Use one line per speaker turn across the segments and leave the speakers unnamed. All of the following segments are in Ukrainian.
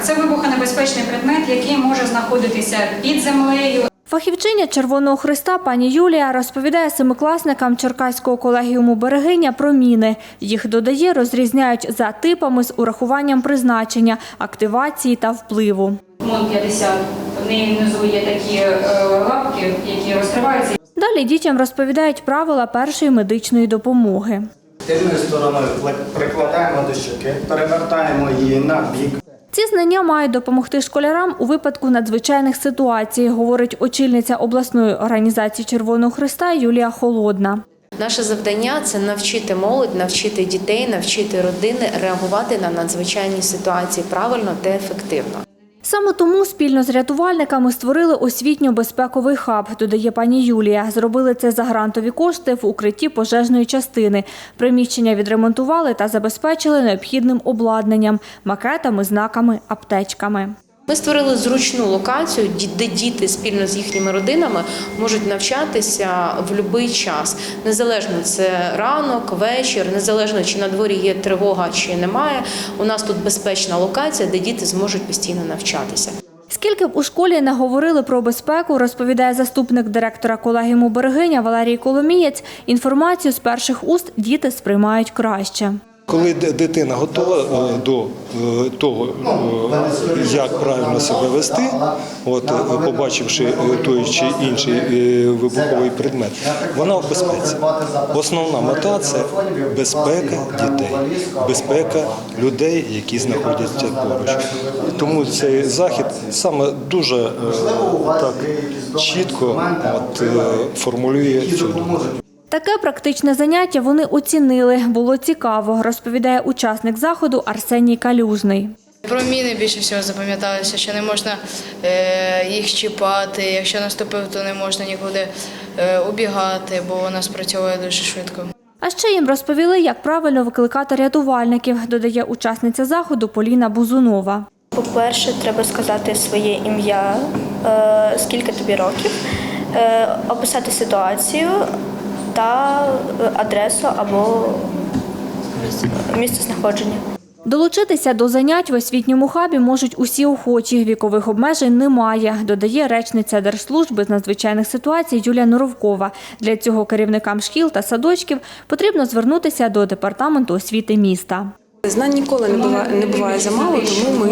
Це вибухонебезпечний предмет, який може знаходитися під землею.
Фахівчиня Червоного Хреста пані Юлія розповідає семикласникам Черкаського колегіуму «Берегиня» про міни. Їх, додає, розрізняють за типами з урахуванням призначення, активації та впливу.
МОН-50, в неї внизу є такі лапки, які розкриваються.
Далі дітям розповідають правила першої медичної допомоги.
Тильною стороною прикладаємо до щоки, перевертаємо її на бік.
Ці знання мають допомогти школярам у випадку надзвичайних ситуацій, говорить очільниця обласної організації Червоного Хреста Юлія Холодна.
Наше завдання – це навчити молодь, навчити дітей, навчити родини реагувати на надзвичайні ситуації правильно та ефективно.
Саме тому спільно з рятувальниками створили освітньо-безпековий хаб, додає пані Юлія. Зробили це за грантові кошти в укритті пожежної частини. Приміщення відремонтували та забезпечили необхідним обладнанням – макетами, знаками, аптечками.
Ми створили зручну локацію, де діти спільно з їхніми родинами можуть навчатися в будь-який час. Незалежно це ранок, вечір, незалежно чи на дворі є тривога чи немає. У нас тут безпечна локація, де діти зможуть постійно навчатися.
Скільки б у школі не говорили про безпеку, розповідає заступник директора колегіуму «Берегиня» Валерій Коломієць, інформацію з перших уст діти сприймають краще.
Коли дитина готова до того, як правильно себе вести, побачивши той чи інший вибуховий предмет, вона в безпеці. Основна мета – це безпека дітей, безпека людей, які знаходяться поруч. Тому цей захід саме дуже так чітко формулює цю думку.
Таке практичне заняття вони оцінили. Було цікаво, розповідає учасник заходу Арсеній Калюжний.
Про міни більше всього запам'яталося, що не можна їх чіпати, якщо наступив, то не можна нікуди убігати, бо вона спрацьовує дуже швидко.
А ще їм розповіли, як правильно викликати рятувальників, додає учасниця заходу Поліна Бузунова.
По-перше, треба сказати своє ім'я, скільки тобі років, описати ситуацію та адресу або місце знаходження.
Долучитися до занять в освітньому хабі можуть усі охочі, вікових обмежень немає, додає речниця Держслужби з надзвичайних ситуацій Юлія Норовкова. Для цього керівникам шкіл та садочків потрібно звернутися до департаменту освіти міста.
Знань ніколи не буває замало, тому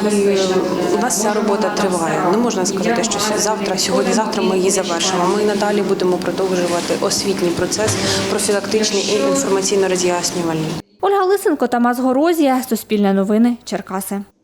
у нас ця робота триває. Не можна сказати, що сьогодні-завтра ми її завершимо. Ми надалі будемо продовжувати освітній процес, профілактичний і інформаційно-роз'яснювальний.
Ольга Лисенко, Тамас Горозія, Суспільне новини, Черкаси.